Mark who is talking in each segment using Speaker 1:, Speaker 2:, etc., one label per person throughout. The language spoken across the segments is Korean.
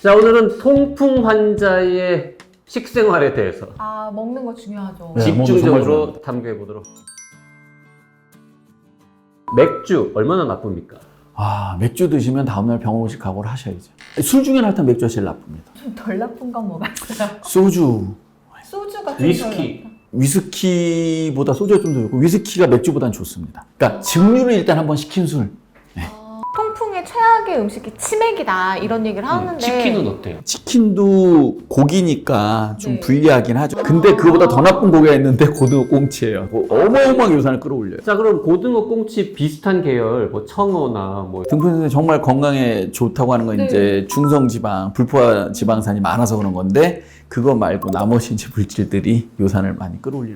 Speaker 1: 자, 오늘은 통풍 환자의 식생활에 대해서
Speaker 2: 먹는 거 중요하죠.
Speaker 3: 네.
Speaker 1: 집중적으로 탐구해 보도록. 맥주 얼마나 나쁩니까?
Speaker 3: 맥주 드시면 다음날 병원 오실 각오를 하셔야죠. 술 중에 하여튼 맥주가 제일 나쁩니다.
Speaker 2: 좀 덜 나쁜 건 뭐가 있어요?
Speaker 3: 소주,
Speaker 2: 소주가 좀
Speaker 1: 위스키.
Speaker 3: 위스키보다 소주가 좀 더 좋고 위스키가 맥주보다는 좋습니다. 그러니까 증류를 일단 한번 시킨 술.
Speaker 2: 통풍의 최악의 음식이 치맥이다 이런 얘기를 하는데
Speaker 1: 치킨은 어때요?
Speaker 3: 치킨도 고기니까 좀
Speaker 2: 네.
Speaker 3: 불리하긴 하죠. 근데 그거보다 더 나쁜 고기가 있는데 고등어 꽁치예요. 어마어마하게 요산을 끌어올려요.
Speaker 1: 자, 그럼 고등어 꽁치 비슷한 계열, 뭐 청어나 뭐
Speaker 3: 등푸른살이 정말 건강에 좋다고 하는 건
Speaker 2: 네.
Speaker 3: 이제 중성지방, 불포화 지방산이 많아서 그런 건데 그거 말고 나머지 이제 물질들이 요산을 많이 끌어올리는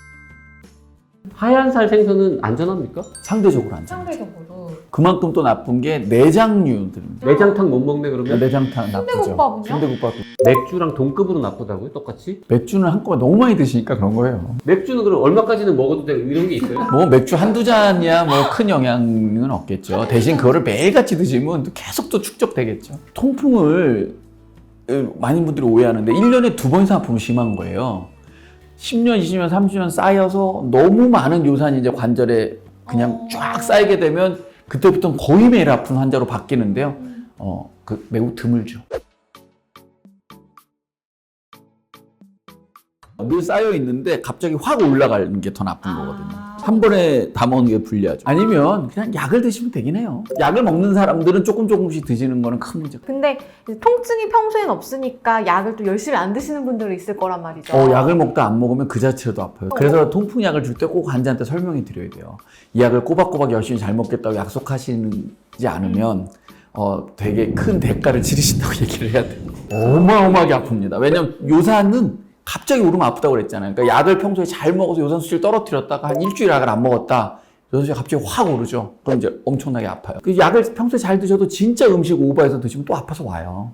Speaker 1: 하얀살 생선은 안전합니까?
Speaker 3: 상대적으로 안전하죠.
Speaker 2: 상대적으로
Speaker 3: 그만큼 또 나쁜 게 내장류들입니다.
Speaker 1: 내장탕 못 먹네 그러면?
Speaker 3: 내장탕 나쁘죠.
Speaker 2: 순대국밥은요?
Speaker 3: 순대국밥도.
Speaker 1: 맥주랑 동급으로 나쁘다고요? 똑같이?
Speaker 3: 맥주는 한꺼번에 너무 많이 드시니까 그런 거예요.
Speaker 1: 맥주는 그럼 얼마까지는 먹어도 되고 이런 게 있어요?
Speaker 3: 뭐 맥주 한두 잔이야 뭐 큰 영향은 없겠죠. 대신 그거를 매일같이 드시면 또 계속 또 축적되겠죠. 통풍을 많은 분들이 오해하는데 1년에 2번 이상 아프면 심한 거예요. 10년, 20년, 30년 쌓여서 너무 많은 요산이 이제 관절에 그냥 쫙 쌓이게 되면 그때부터는 거의 매일 아픈 환자로 바뀌는데요. 매우 드물죠. 늘 쌓여 있는데 갑자기 확 올라가는 게 더 나쁜 거거든요. 한 번에 다 먹는 게 불리하죠. 아니면 그냥 약을 드시면 되긴 해요. 약을 먹는 사람들은 조금씩 드시는 거는 큰 문제가.
Speaker 2: 근데 이제 통증이 평소엔 없으니까 약을 또 열심히 안 드시는 분들이 있을 거란 말이죠.
Speaker 3: 약을 먹다 안 먹으면 그 자체로도 아파요. 그래서 통풍약을 줄 때 꼭 환자한테 설명해 드려야 돼요. 이 약을 꼬박꼬박 열심히 잘 먹겠다고 약속하시지 않으면 되게 큰 대가를 치르신다고 얘기를 해야 돼요. 어마어마하게 아픕니다. 왜냐면 요산은 갑자기 오르면 아프다고 그랬잖아요. 그러니까 약을 평소에 잘 먹어서 요산 수치를 떨어뜨렸다가 한 일주일 약을 안 먹었다. 요산 수치가 갑자기 확 오르죠. 그럼 이제 엄청나게 아파요. 그 약을 평소에 잘 드셔도 진짜 음식 오버해서 드시면 또 아파서 와요.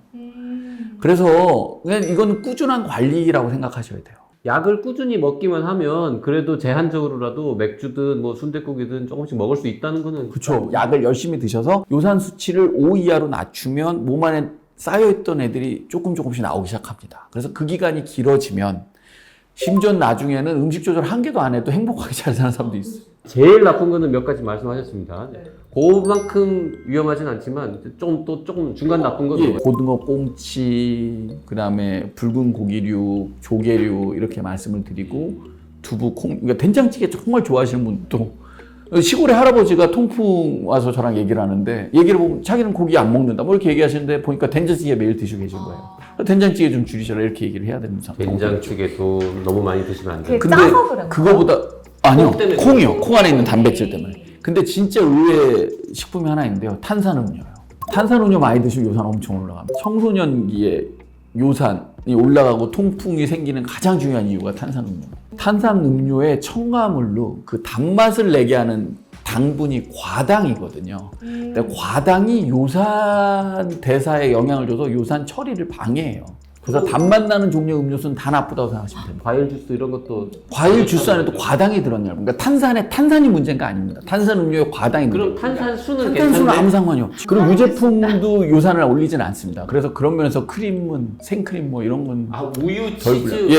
Speaker 3: 그래서 그냥 이거는 꾸준한 관리라고 생각하셔야 돼요.
Speaker 1: 약을 꾸준히 먹기만 하면 그래도 제한적으로라도 맥주든 뭐 순댓국이든 조금씩 먹을 수 있다는 거는
Speaker 3: 그렇죠. 약을 열심히 드셔서 요산 수치를 5 이하로 낮추면 몸 안에 쌓여있던 애들이 조금씩 나오기 시작합니다. 그래서 그 기간이 길어지면 심지어 나중에는 음식 조절 한 개도 안 해도 행복하게 잘 사는 사람도 있어요.
Speaker 1: 제일 나쁜 거는 몇 가지 말씀하셨습니다. 그만큼 위험하진 않지만 조금 중간 나쁜 건
Speaker 3: 고등어 꽁치, 그다음에 붉은 고기류, 조개류 이렇게 말씀을 드리고 두부, 콩, 그러니까 된장찌개 정말 좋아하시는 분도 시골의 할아버지가 통풍 와서 저랑 얘기를 하는데 얘기를 보면 자기는 고기 안 먹는다 뭐 이렇게 얘기하시는데 보니까 된장찌개 매일 드시고 계신 거예요. 된장찌개 좀 줄이셔라 이렇게 얘기를 해야 되는 상황.
Speaker 1: 된장찌개도 너무 많이 드시면 안 돼요.
Speaker 2: 그게 짜서 그런
Speaker 3: 그거보다 아니요.
Speaker 1: 콩 때문에
Speaker 3: 콩이요. 콩 안에 있는 단백질 때문에. 근데 진짜 의외의 식품이 하나 있는데요. 탄산음료요. 탄산음료 많이 드시면 요산 엄청 올라갑니다. 청소년기에 요산이 올라가고 통풍이 생기는 가장 중요한 이유가 탄산음료. 탄산음료의 첨가물로 그 단맛을 내게 하는 당분이 과당이거든요. 근데 과당이 요산 대사에 영향을 줘서 요산 처리를 방해해요. 그래서 단맛 나는 종류의 음료수는 다 나쁘다고 생각하시면 됩니다.
Speaker 1: 과일 주스 이런 것도
Speaker 3: 과일 주스 안에도 과당이 들었냐고. 그러니까 탄산이 문제가 아닙니다. 탄산음료에 과당이
Speaker 1: 그럼
Speaker 3: 문제입니다.
Speaker 1: 탄산수는
Speaker 3: 탄산수는
Speaker 1: 괜찮은데
Speaker 3: 아무 상관이 없죠. 그리고 유제품도 요산을 올리지는 않습니다. 그래서 그런 면에서 크림은 생크림 뭐 이런 건
Speaker 1: 우유,
Speaker 3: 덜
Speaker 1: 치즈
Speaker 3: 불려요.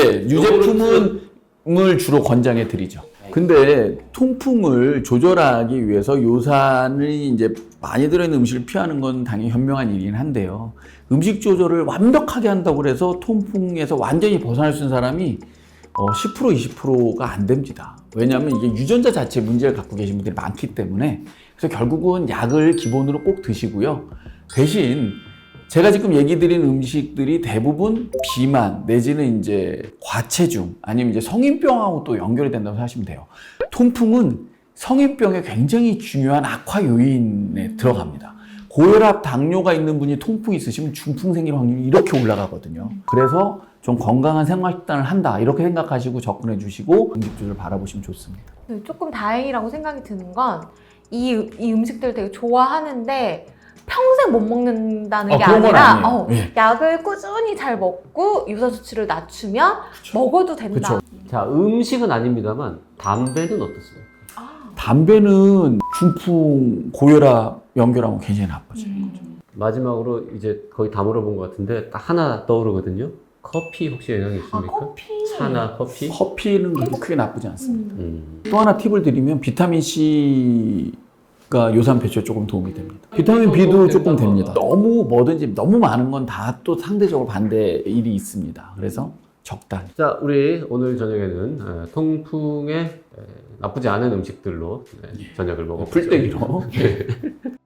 Speaker 3: 유제품을 주로 권장해 드리죠. 근데 통풍을 조절하기 위해서 요산이 이제 많이 들어있는 음식을 피하는 건 당연히 현명한 일이긴 한데요. 음식 조절을 완벽하게 한다고 해서 통풍에서 완전히 벗어날 수 있는 사람이 10% 20%가 안 됩니다. 왜냐하면 이게 유전자 자체에 문제를 갖고 계신 분들이 많기 때문에 그래서 결국은 약을 기본으로 꼭 드시고요. 대신 제가 지금 얘기 드린 음식들이 대부분 비만 내지는 이제 과체중 아니면 이제 성인병하고 또 연결이 된다고 하시면 돼요. 통풍은 성인병에 굉장히 중요한 악화 요인에 들어갑니다. 고혈압, 당뇨가 있는 분이 통풍이 있으시면 중풍 생길 확률이 이렇게 올라가거든요. 그래서 좀 건강한 생활 식단을 한다 이렇게 생각하시고 접근해 주시고 음식 조절을 바라보시면 좋습니다.
Speaker 2: 조금 다행이라고 생각이 드는 건 이 음식들을 되게 좋아하는데 평생 못 먹는다는 게
Speaker 3: 그런 건
Speaker 2: 아니라
Speaker 3: 아니에요. 예.
Speaker 2: 약을 꾸준히 잘 먹고 요산 수치를 낮추면 먹어도 된다.
Speaker 1: 자, 음식은 아닙니다만 담배는 어떻습니까?
Speaker 3: 담배는 중풍, 고혈압 연결하면 굉장히 나빠져요.
Speaker 1: 마지막으로 이제 거의 다 물어본 것 같은데 딱 하나 떠오르거든요. 커피 혹시 영향이 있습니까?
Speaker 2: 커피.
Speaker 1: 차나 커피?
Speaker 3: 커피는 그렇게 크게 나쁘지 않습니다.
Speaker 2: 음.
Speaker 3: 또 하나 팁을 드리면 비타민 C가 요산 배출에 조금 도움이 됩니다. 비타민 B도 조금 됩니다. 너무 뭐든지 너무 많은 건 다 또 상대적으로 반대 일이 있습니다. 그래서 적당히.
Speaker 1: 자, 우리 오늘 저녁에는 통풍에 나쁘지 않은 음식들로 저녁을 먹어보죠.
Speaker 3: 풀떼기로.